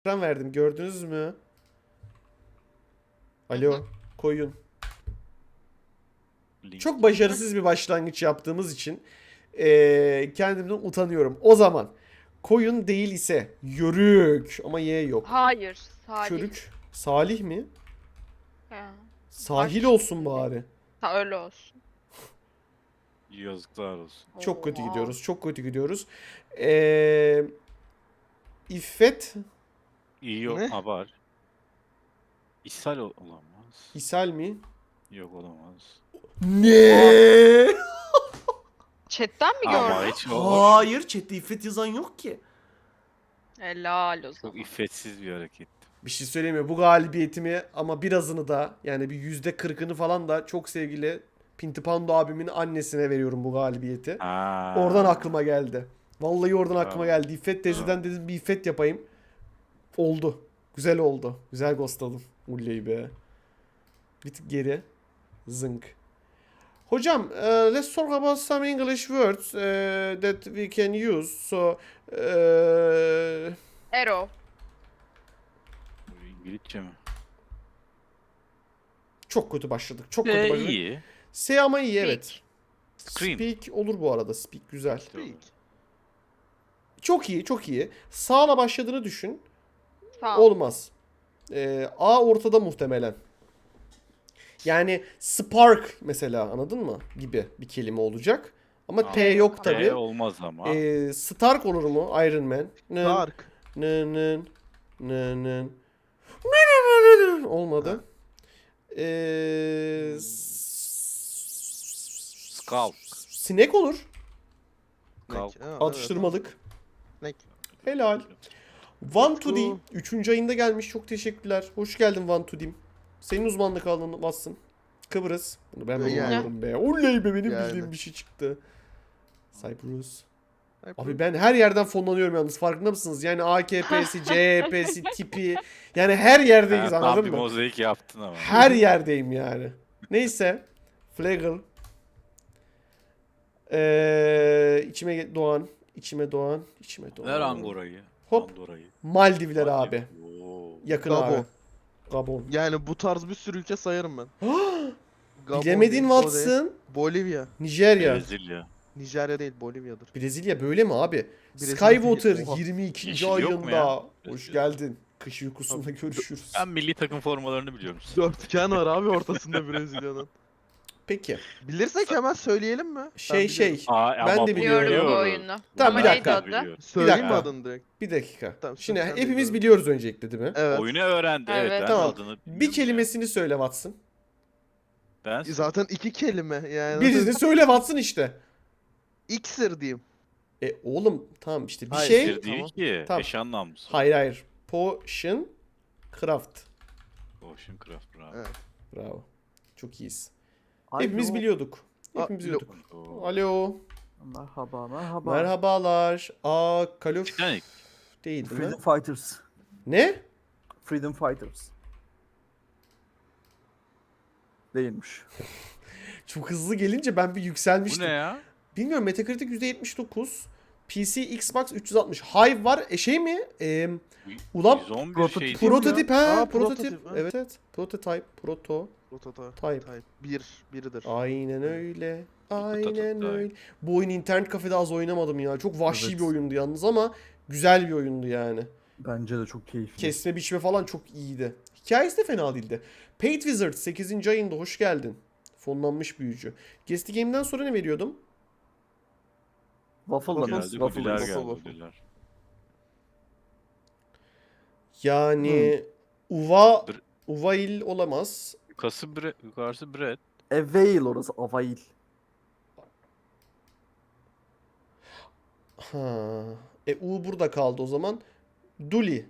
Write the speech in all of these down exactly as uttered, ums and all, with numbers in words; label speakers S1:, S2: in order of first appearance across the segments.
S1: ekran verdim. Gördünüz mü? Alo. Koyun.
S2: Link.
S1: Çok başarısız bir başlangıç yaptığımız için eee, kendimden utanıyorum. O zaman koyun değil ise yörük ama Y yok.
S3: Hayır. Salih.
S1: Körük. Salih mi?
S3: He.
S1: Sahil
S3: Harf.
S1: olsun bari.
S3: Ha, öyle olsun.
S2: Yazıklar olsun.
S1: Çok kötü
S3: Oha.
S1: gidiyoruz. Çok kötü gidiyoruz. Eee İffet.
S2: İyi yok.
S4: Ne?
S2: Ha var. İshal ol- olamaz.
S1: İshal mi?
S2: Yok olamaz.
S1: Ne?
S3: Chatten mi
S2: Ama
S3: gördün?
S2: hiç o
S1: Hayır. Chat'te İffet yazan yok ki.
S3: Helal o
S2: çok
S3: zaman.
S2: iffetsiz bir hareket.
S1: Bir şey söyleyeyim mi? Bu galibiyetimi ama birazını da yani bir yüzde kırkını falan da çok sevgili Pintipando abimin annesine veriyorum bu galibiyeti.
S2: Ha.
S1: Oradan aklıma geldi. Vallahi oradan aklıma
S2: Bravo.
S1: geldi. İffet teyzeden dedim bir İffet yapayım. Oldu. Güzel oldu. Güzel ghostladım. Ulley be. Bir tık geri. Zınk. Hocam, uh, let's talk about some English words uh, that we can use. So, uh,
S3: Arrow.
S2: Bu İngilizce mi?
S1: çok kötü başladık. Çok kötü
S2: Ee,
S1: başladık.
S2: iyi.
S1: S ama iyi, evet.
S2: Scream.
S1: Speak olur bu arada. Speak güzel.
S4: Speak.
S1: Çok iyi, çok iyi. Sağla başladığını düşün.
S3: Sağ ol.
S1: Olmaz. Ee, A ortada muhtemelen. Yani spark mesela, anladın mı? Gibi bir kelime olacak. Ama
S2: Aa,
S1: T yok
S2: T
S1: tabi.
S2: olmaz ama.
S1: Ee, Stark olur mu? Iron Man. Nın,
S4: Dark.
S1: nın, nın, nın, nın. Olmadı. Ee,
S2: Skull.
S1: Sinek olur.
S2: Kalk.
S4: Nek. Ha, evet.
S1: Atıştırmalık.
S4: Nek.
S1: Helal. One to
S4: Utku.
S1: D. Üçüncü ayında gelmiş. Çok teşekkürler. Hoş geldin One to D'm. Senin uzmanlık alanın bassın. Kıbrıs. Bunu ben
S4: Ve
S1: bilmiyorum be. Oley be, benim
S4: Yani.
S1: bildiğim bir şey çıktı. Cyprus.
S4: Hep
S1: Abi ben her yerden fonlanıyorum yalnız, farkında mısınız? Yani A K P'si, C H P'si, tipi. Yani her yerdeyiz,
S2: Ha, tam
S1: anladın
S2: bir
S1: mı?
S2: mozaik yaptın ama.
S1: Her yerdeyim yani. Neyse. Flagel. Ee, içime doğan. içime doğan. içime doğan.
S2: Ver Angora'yı.
S1: Hop.
S2: Andorra'yı.
S1: Maldivler abi.
S2: Oo.
S1: Yakın
S4: Gabon.
S1: abi. Gabon.
S4: Yani bu tarz bir sürü ülke sayarım ben. Gabon
S1: Bilemedin
S4: değil, o değil.
S1: Watson.
S4: Bolivya.
S1: Nijerya.
S2: Brezilya.
S4: Nijerya değil, Bolivya'dır.
S1: Brezilya böyle mi abi?
S4: Brezilya
S1: Skywater
S4: değil, oha.
S1: yirmi ikinci
S2: Yeşil yok mu
S1: ayında.
S2: ya?
S1: Hoş
S2: Brezilya.
S1: geldin. Kış uykusunda görüşürüz.
S2: Ben milli takım formalarını biliyorum.
S4: Dörtgen var abi ortasında Brezilya'nın.
S1: Peki.
S4: Bilirsek hemen söyleyelim mi? Ben
S1: Şey
S4: biliyorum.
S1: şey.
S2: Aa,
S1: Ben
S2: ama
S1: de
S2: bu
S1: biliyorum.
S3: Biliyorum bu
S2: biliyoruz.
S3: oyunu.
S1: Tamam,
S3: Ama
S1: bir
S3: neydi
S1: dakika.
S3: adı?
S2: Biliyorum.
S4: Söyleyeyim mi
S1: dakika.
S4: adını direkt?
S1: Bir dakika.
S4: Tamam,
S1: Şimdi
S4: sen- sen
S1: hepimiz
S4: biliyorum.
S1: biliyoruz öncelikle değil mi?
S4: Evet.
S2: Oyunu öğrendi. Evet.
S3: Evet.
S2: Ben
S1: Tamam.
S2: adını
S1: Bir
S2: biliyorum
S1: kelimesini söyle Watson.
S2: ya. Ben
S4: Zaten iki kelime yani.
S1: Birini söyle Watson işte.
S4: İksir diyeyim.
S1: E oğlum tamam işte bir
S4: Hayır,
S1: şey.
S2: Sir değil
S4: Tamam.
S2: ki.
S1: Tamam.
S2: Eş anlamlısı.
S1: Hayır hayır. Potion Craft.
S2: Ocean Craft bravo.
S4: Evet.
S1: Bravo. Çok iyiyiz.
S5: Alo.
S1: Hepimiz biliyorduk.
S4: Aa,
S1: Hepimiz
S4: lo-
S1: biliyorduk.
S2: Oo.
S1: Alo.
S5: Merhaba, merhaba.
S1: Merhabalar. Aa, Call of
S2: Titanic.
S1: değil değil mi?
S5: Freedom Fighters.
S1: Ne?
S5: Freedom Fighters. Değilmiş.
S1: Çok hızlı gelince ben bir
S2: Bu
S1: yükselmiştim.
S2: ne ya?
S1: Bilmiyorum, Metacritic yüzde yetmiş dokuz. P C, Xbox üç yüz altmış. Hive var. E şey mi? E, ulan
S2: yüz on bir
S5: prototip
S2: şey.
S5: Kim
S1: prototip ha.
S4: Aa,
S1: prototip.
S4: prototip, ha.
S1: Evet evet. Prototype. Proto.
S4: Prototype.
S1: Type.
S4: Type. Bir. Biridir.
S1: Aynen öyle. Aynen
S2: Prototype.
S1: öyle. Bu oyunu internet kafede az oynamadım ya. Çok vahşi
S5: Evet.
S1: bir oyundu yalnız ama güzel bir oyundu yani.
S5: Bence de çok keyifli.
S1: Kesme biçme falan çok iyiydi. Hikayesi de fena değildi. Paid Wizard sekizinci ayında hoş geldin. Fonlanmış büyücü. Guest Game'den sonra ne veriyordum?
S5: Waffle'la
S2: Geldi,
S5: nasıl? Waffle.
S2: ödüller
S4: waffle,
S2: geldi,
S4: waffle.
S2: ödüller.
S1: Yani Uva
S2: Bir-
S1: Uvail olamaz.
S2: Yukarısı bre, yukarısı bread.
S5: Avail orası, Avail.
S1: Ha. E U burada kaldı o zaman. Duli.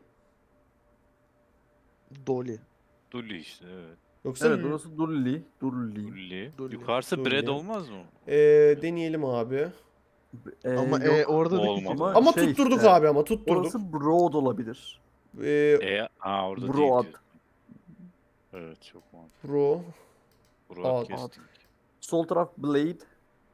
S4: Dolly.
S2: Dulli işte evet.
S1: Yoksa
S5: Evet,
S1: L-
S5: orası Dulli. Dulli.
S2: Dulli.
S4: Dulli.
S2: Yukarısı
S1: Dulli.
S2: bread olmaz mı?
S1: e, deneyelim abi.
S5: Ee,
S4: Ama
S5: yok.
S4: e, orada da
S2: olmadı.
S4: iki.
S5: Ama,
S1: Ama
S5: şey
S1: tutturduk
S5: işte,
S1: abi ama tutturduk.
S5: Orası Broad olabilir.
S1: E,
S2: E, aa orada
S5: Broad.
S2: değil diyor. Evet çok mantıklı.
S1: Pro.
S2: Broad
S1: Ad.
S2: casting.
S5: Sol taraf Blade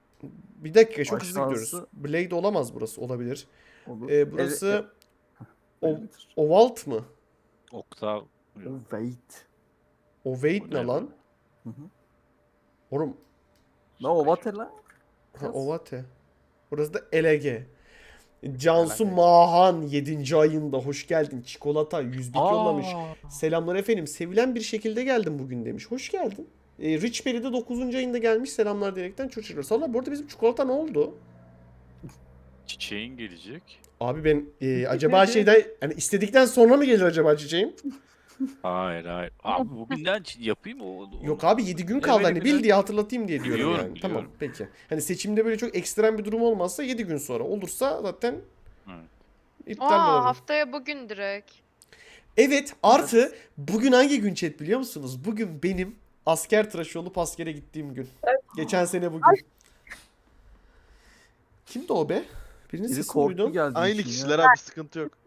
S1: Bir dakika çok hızlı
S5: Aşağısı-
S1: gidiyoruz. Blade olamaz burası. Olabilir.
S5: olur.
S1: E, burası O-
S5: Millimeter.
S1: Ovalt mı?
S2: Oktav.
S5: Ovate.
S1: Ovate
S2: O
S1: ne
S2: ne
S1: lan?
S5: Hı hı.
S1: Oğlum.
S5: Ne ovate lan?
S1: Ha, ovate. Burası da elege. Cansu Mahan yedinci ayında hoş geldin. Çikolata yüz bit yollamış. Selamlar efendim. Sevilen bir şekilde geldim bugün demiş. Hoş geldin. E, Rich Berry de dokuzuncu ayında gelmiş. Selamlar diyerekten çocuğlar. Salla bu arada bizim çikolata ne oldu?
S2: Çiçeğin gelecek.
S1: Abi ben e, acaba şeyden hani istedikten sonra mı gelir acaba çiçeğim?
S2: Hayır hayır. Abi bugünden ç- yapayım o. o-
S1: Yok abi yedi gün kaldı hani bil
S2: Bilemedim
S1: diye hatırlatayım diye diyorum
S2: Biliyorum,
S1: yani.
S2: biliyorum.
S1: Tamam peki. Hani seçimde böyle çok ekstrem bir durum olmazsa yedi gün sonra olursa zaten
S2: Evet.
S1: iptal
S3: Aa
S1: olur.
S3: haftaya bugün direkt.
S1: Evet artı bugün hangi gün chat biliyor musunuz? Bugün benim asker tıraşı olup askere gittiğim gün. Geçen sene bugün. Kimdi o be? Birinin
S5: Biri
S1: sesini
S5: korktu
S1: duydum.
S5: geldi.
S4: Aynı
S5: için
S4: kişiler
S5: ya.
S4: abi sıkıntı yok.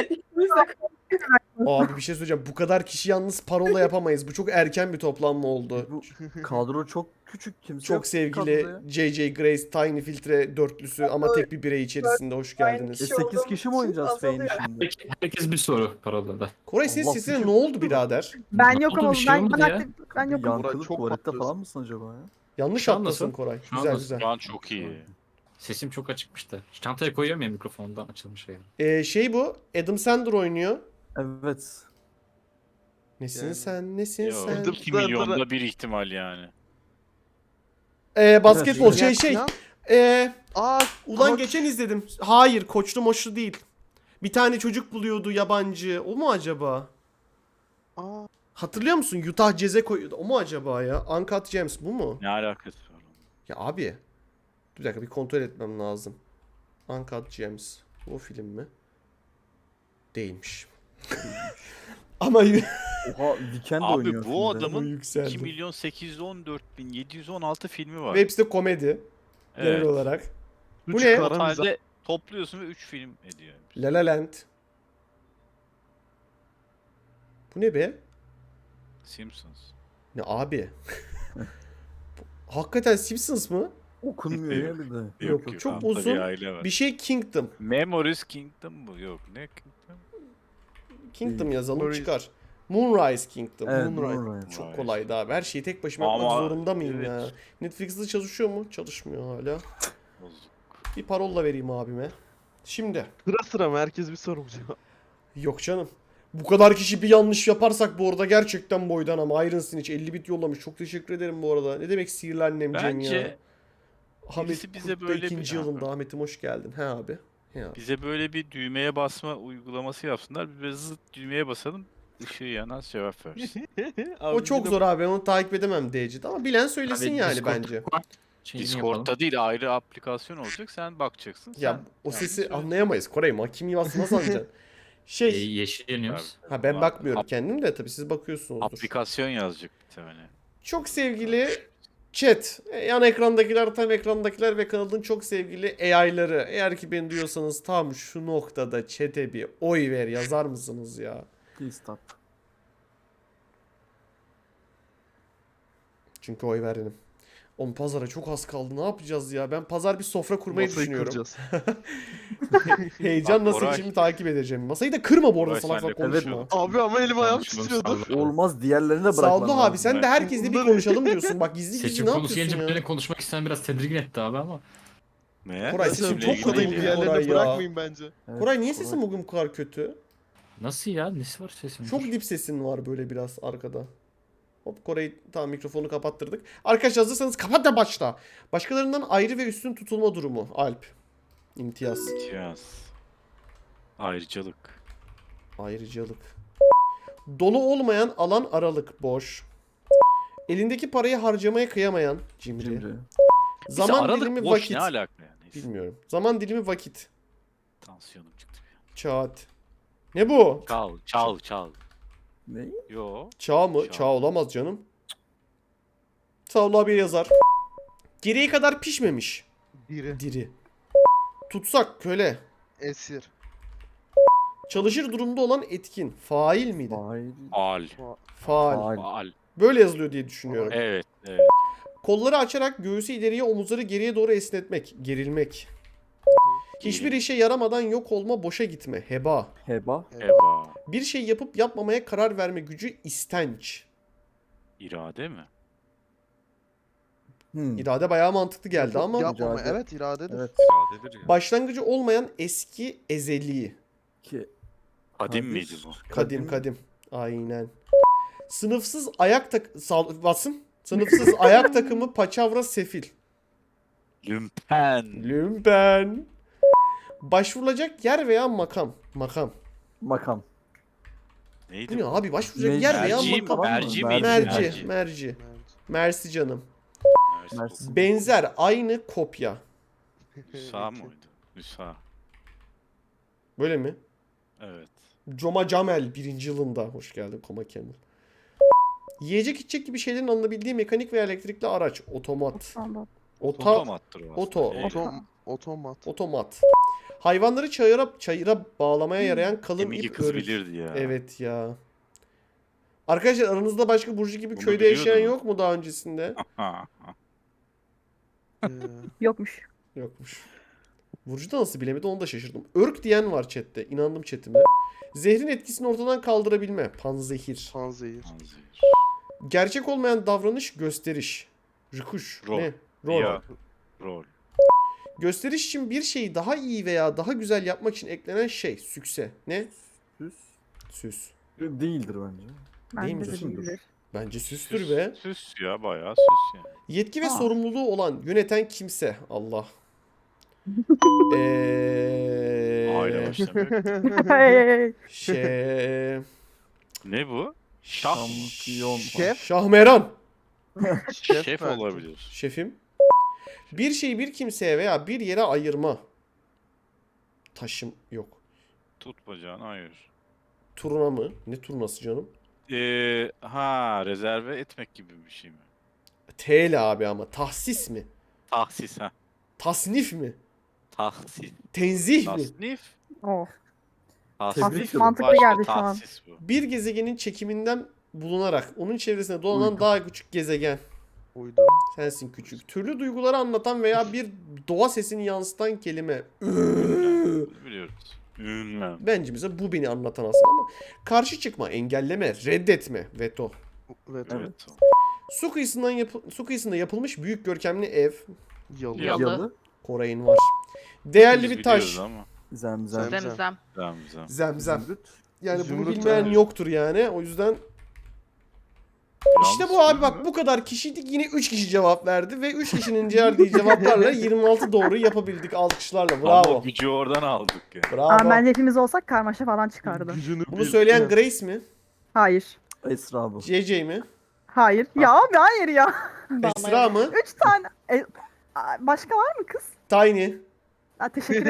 S1: Abi bir şey söyleyeceğim. Bu kadar kişi yalnız parola yapamayız. Bu çok erken bir toplanma oldu.
S5: Bu kadro çok küçük, kimse
S1: Çok
S5: yok
S1: sevgili
S5: kadroda ya.
S1: J J Grace Tiny Filtre dörtlüsü ama tek bir birey içerisinde hoş
S5: E
S1: geldiniz.
S5: sekiz kişi mi oynayacağız Feyni şimdi?
S6: Herkes, herkes bir soru parolada.
S1: Koray senin
S5: Allah
S1: sesine
S5: küçük.
S1: ne oldu birader?
S7: Ben
S6: Ne
S7: yokum
S6: oldu,
S7: ama
S6: bir şey
S7: ben,
S6: olmadı
S7: ben
S6: ya.
S7: aktif ben yokum.
S5: Yankılı
S4: çok
S5: tuvalette
S4: patlıyorsun.
S5: falan mısın acaba ya?
S1: Yanlış
S6: Şu an
S1: atlasın
S6: nasıl?
S1: Koray.
S6: Şu an
S1: Güzel
S6: nasıl?
S1: güzel.
S2: Şu an çok iyi.
S6: Sesim çok açıkmıştı. Çantaya koyuyorum ya mikrofondan açılmış yani.
S1: Ee, şey bu. Adam Sandler oynuyor.
S5: Evet.
S1: Nesin
S4: Yani-
S1: sen nesin
S2: Yo,
S1: sen?
S4: Adam-
S2: iki milyonda bir ihtimal yani.
S1: Ee, basketbol
S5: Evet,
S1: şey şey. Ee,
S4: Aa
S1: ulan
S4: koç.
S1: geçen izledim. Hayır koçlu moçlu değil. Bir tane çocuk buluyordu yabancı. O mu acaba?
S4: Aa,
S1: Hatırlıyor musun? Utah Jazz'e koyuyordu. O mu acaba ya? Uncut Gems bu mu?
S2: Ne alakası var onun?
S1: Ya abi. Bir dakika bir kontrol etmem lazım. Uncut Gems. Bu film mi? Değilmiş. Ama y-
S5: Oha Weekend
S2: Abi
S5: oynuyor
S2: bu
S5: filmde.
S2: adamın
S1: yükseldi.
S2: iki milyon sekiz yüz on dört bin yedi yüz on altı filmi var.
S1: Ve hepsi de komedi genel
S2: Evet.
S1: olarak. Bu
S4: üç
S1: ne?
S4: kara mizah.
S2: Totalde topluyorsun ve üç film ediyor.
S1: La La Land. Bu ne be?
S2: Simpsons.
S1: Ne abi? Hakikaten Simpsons mı?
S5: Okunmuyor ya bir de.
S1: Yok, çok
S2: altta
S1: uzun
S2: Bir aile var.
S1: Bir şey Kingdom.
S2: Memories Kingdom mu? Yok ne Kingdom?
S1: Kingdom
S5: Değil.
S1: yazalım
S4: Moonrise.
S1: çıkar. Moonrise Kingdom.
S5: Evet,
S1: Moonrise.
S5: Moonrise.
S1: Çok
S2: Moonrise.
S1: kolaydı abi. Her şeyi tek başıma yapmak
S2: Ama-
S1: zorunda mıyım
S2: evet.
S1: ya? Netflix'te çalışıyor mu? Çalışmıyor hala.
S2: Bozuk.
S1: Bir parolla vereyim abime. Şimdi.
S4: Sıra sıra mı? Herkes bir soru cevap.
S1: Yok canım. Bu kadar kişi bir yanlış yaparsak bu arada gerçekten boydan ama Iron Snitch elli bit yollamış. Çok teşekkür ederim bu arada. Ne demek sihirli annem Cem ya.
S2: Bence
S1: Ahmet
S2: birisi bize
S1: Kurt'ta
S2: böyle bir-
S1: ikinci yılında. Ahmet'im hoş geldin. He abi. He abi.
S2: bize böyle bir düğmeye basma uygulaması yapsınlar. Biz böyle zıt düğmeye basalım. Işığı yanan cevap versin.
S1: O çok zor abi. Ben onu takip edemem D C'de ama bilen söylesin
S6: Abi
S1: yani
S6: Discord
S1: bence.
S6: var. Şeyini yapalım.
S2: Discord'da değil ayrı aplikasyon olacak. Sen bakacaksın.
S1: Ya
S2: sen
S1: o
S2: yani
S1: sesi
S2: söyle.
S1: anlayamayız. Koray kim yuvası nasıl anlayacaksın?
S6: E,
S1: Şey.
S6: yeşil yanıyoruz.
S1: Ha ben
S2: Ap-
S1: bakmıyorum kendim de tabii siz bakıyorsunuzdur.
S2: Aplikasyon yazacak bir tane.
S1: Çok sevgili chat, e, yan ekrandakiler, tam ekrandakiler ve kanalın çok sevgili A I'ları. Eğer ki beni duyuyorsanız tam şu noktada chat'e bir oy ver yazar mısınız ya?
S5: Please stop.
S1: Çünkü oy verdim. Oğlum pazara çok az kaldı. Ne yapacağız ya? Ben pazar bir sofra kurmayı
S4: Masayı
S1: düşünüyorum.
S4: kuracağız.
S1: Heyecanla
S2: Bak, Koray-
S1: seçimi takip edeceğim. Masayı da kırma bu arada
S2: Koray,
S1: salak
S2: senle
S1: salak konuşma.
S2: konuşuyorduk.
S4: Abi ama elim ayağım
S6: Konuşalım,
S4: titriyordu.
S6: sağ ol.
S5: Olmaz diğerlerine bırakman
S1: Saldo abi
S5: lazım.
S1: sen de herkesle bir
S4: Bunları-
S1: konuşalım diyorsun. Bak gizli gizli
S6: Seçim
S1: ne
S6: konusu
S1: yapıyorsun
S6: gelince
S1: ya?
S6: beni konuşmak isteyen biraz tedirgin etti abi ama.
S2: Ne?
S1: Koray,
S2: Seçimle
S1: sesim çok
S2: ilgili
S1: kötü
S2: değil
S1: oldu
S2: ya.
S1: ya. Koray
S4: Diğerlerini
S1: ya.
S4: bırakmayın bence.
S5: Evet,
S1: Koray niye
S5: Koray.
S1: sesin bugün bu kadar kötü?
S6: Nasıl ya? Nesi var sesin?
S1: Çok dip sesin var böyle biraz arkada. Hop Kore'yi tamam mikrofonu kapattırdık. Arkadaşlar hazırsanız kapat da başla. Başkalarından ayrı ve üstün tutulma durumu. Alp. İmtiyaz.
S2: İmtiyaz. Ayrıcalık.
S1: Ayrıcalık. Dolu olmayan alan aralık. Boş. Elindeki parayı harcamaya kıyamayan. Cimri.
S5: Cimri.
S1: Zaman
S2: Zaman aralık
S1: dilimi
S2: boş
S1: vakit.
S2: ne alaka yani? Neyse.
S1: Bilmiyorum. Zaman dilimi vakit.
S2: Tansiyonum çıktı bir an.
S1: Çağat. Ne bu?
S2: Çal, çal, çal.
S5: Ne?
S2: Yo.
S1: Çağ mı?
S2: Çağ.
S1: Çağ olamaz canım. Savlu abi yazar. Geriye kadar pişmemiş.
S4: Biri.
S1: Diri. Tutsak köle.
S4: Esir.
S1: Çalışır durumda olan etkin. Fail miydi?
S5: Fail.
S2: Al.
S1: Faal.
S5: Faal.
S2: Al.
S1: Böyle yazılıyor diye düşünüyorum.
S2: Evet, evet.
S1: Kolları açarak göğsü ileriye, omuzları geriye doğru esnetmek. Gerilmek. Hiçbir işe yaramadan yok olma, boşa gitme. Heba.
S5: Heba.
S2: Eba.
S1: Bir şey yapıp yapmamaya karar verme gücü, istenç.
S2: İrade mi?
S5: Hmm.
S1: İrade bayağı mantıklı geldi
S4: Yapıp
S1: ama
S4: Yapmama.
S5: İrade.
S4: Evet iradedir.
S5: Evet.
S2: İradedir ya.
S1: başlangıcı olmayan eski, ezeli.
S5: Ki.
S2: Kadim
S5: Kadir.
S2: miydi bu?
S1: Kadim kadim. Aynen. Sınıfsız ayak tak... Sal... Basın. Sınıfsız ayak takımı, paçavra, sefil.
S2: Lümpen.
S1: Lümpen. Başvurulacak yer veya makam. Makam.
S5: Makam.
S1: Bu
S2: Neydi
S1: ne
S2: bu?
S1: abi? Başvuracak
S5: Merci.
S1: yer veya
S2: Merci,
S1: makam.
S2: merci
S5: Merci.
S2: miydi?
S1: Merci.
S2: Merci.
S1: Merci.
S4: Evet.
S1: Mersi canım.
S2: Merci.
S5: Merci.
S1: Benzer, aynı, kopya.
S2: Nüsa mıydı? Nüsa.
S1: Böyle mi?
S2: Evet.
S1: Coma Camel birinci yılında. Hoş geldin Koma Camel. Yiyecek içecek gibi şeylerin alınabildiği mekanik veya elektrikli araç. Otomat. Ota,
S2: Otomattır o aslında.
S1: Oto.
S2: Şey,
S4: Otom, otomat.
S1: otomat. Hayvanları çayıra, çayıra bağlamaya yarayan kalın
S2: Emigi
S1: ip
S2: kız
S1: örgü.
S2: bilirdi ya.
S1: Evet ya. Arkadaşlar aranızda başka Burcu gibi
S2: Bunu
S1: köyde yaşayan
S2: biliyordum.
S1: yok mu daha öncesinde?
S2: Ha,
S4: Ee,
S7: Yokmuş.
S1: Yokmuş. Burcu da nasıl bilemedi onu da şaşırdım. Örk diyen var chatte. İnandım chatime. Zehrin etkisini ortadan kaldırabilme. Panzehir.
S4: panzehir.
S2: Panzehir.
S1: Gerçek olmayan davranış, gösteriş. Rükuş.
S2: Rol.
S1: Ne? Rol.
S2: Ya. Rol.
S1: Gösteriş için bir şeyi daha iyi veya daha güzel yapmak için eklenen şey. Sükse. Ne?
S5: Süs.
S1: Süs.
S5: Değildir bence.
S1: Değil mi
S7: Bence de
S1: süsündür?
S7: değildir.
S1: Bence süstür
S2: Süs,
S1: be.
S2: süs ya bayağı süs yani.
S1: Yetki ve
S7: Aa.
S1: sorumluluğu olan, yöneten kimse. Allah. Eee...
S2: Aile başlamak.
S7: Hey.
S1: Şey...
S2: Ne bu? Şah.
S5: Şampiyon.
S4: Şef.
S1: Şahmeran.
S2: Şef,
S4: belki.
S2: olabilir.
S1: Şefim. Bir şeyi bir kimseye veya bir yere ayırma. Taşım yok.
S2: Tut bacağını hayır.
S1: Turna mı? Ne turnası canım?
S2: Ee, ha rezerve etmek gibi bir şey mi?
S1: T ile abi ama. Tahsis mi?
S2: Tahsis ha.
S1: Tasnif mi?
S2: Tahsis.
S1: Tenzih mi?
S2: Tasnif.
S7: Oh.
S2: Tahsis.
S5: Tebrik ederim.
S7: Mantıklı
S2: Başka
S7: geldi şu an.
S2: tahsis bu.
S1: Bir gezegenin çekiminden bulunarak onun çevresinde dolanan
S5: Uydu.
S1: daha küçük gezegen.
S4: Uydu.
S1: Sensin küçük. Türlü duyguları anlatan veya bir doğa sesini yansıtan kelime.
S2: Bunu biliyoruz. Ünlem.
S1: Bence bize bu beni anlatan aslında ama. Karşı çıkma, engelleme, reddetme, veto.
S4: Evet.
S2: Evet.
S1: Su kıyısından yapı- su kıyısında yapılmış büyük görkemli ev.
S4: Yalı.
S2: Yalı.
S5: Yalı.
S1: Koray'ın var. Değerli
S2: Biz
S1: bir taş.
S2: biliyoruz Ama.
S5: Zemzem.
S4: Zem-
S3: Zemzem.
S2: Zemzem.
S1: Zemzem.
S5: Zümrüt.
S1: Yani bunu
S4: Zümrüt
S1: bilmeyen
S4: yani.
S1: yoktur yani. O yüzden işte
S2: Yalnız
S1: bu abi
S2: bu
S1: bak
S2: ne?
S1: bu kadar kişiydik yine üç kişi cevap verdi ve üç kişinin verdiği cevaplarla yirmi altı doğru yapabildik alkışlarla.
S2: Ama
S1: Bravo.
S2: gücü oradan aldık yani.
S1: Bravo.
S7: Ama bence hepimiz olsak karmaşa falan çıkardı.
S4: Gücünü
S1: Bunu
S4: bil.
S1: söyleyen
S4: Evet.
S1: Grace mi?
S7: Hayır.
S5: Esra bu.
S1: C C mi?
S7: Hayır. Ya abi hayır ya.
S1: Esra mı?
S7: Üç tane. E, a- başka var mı kız?
S1: Tiny.
S7: Ha, teşekkür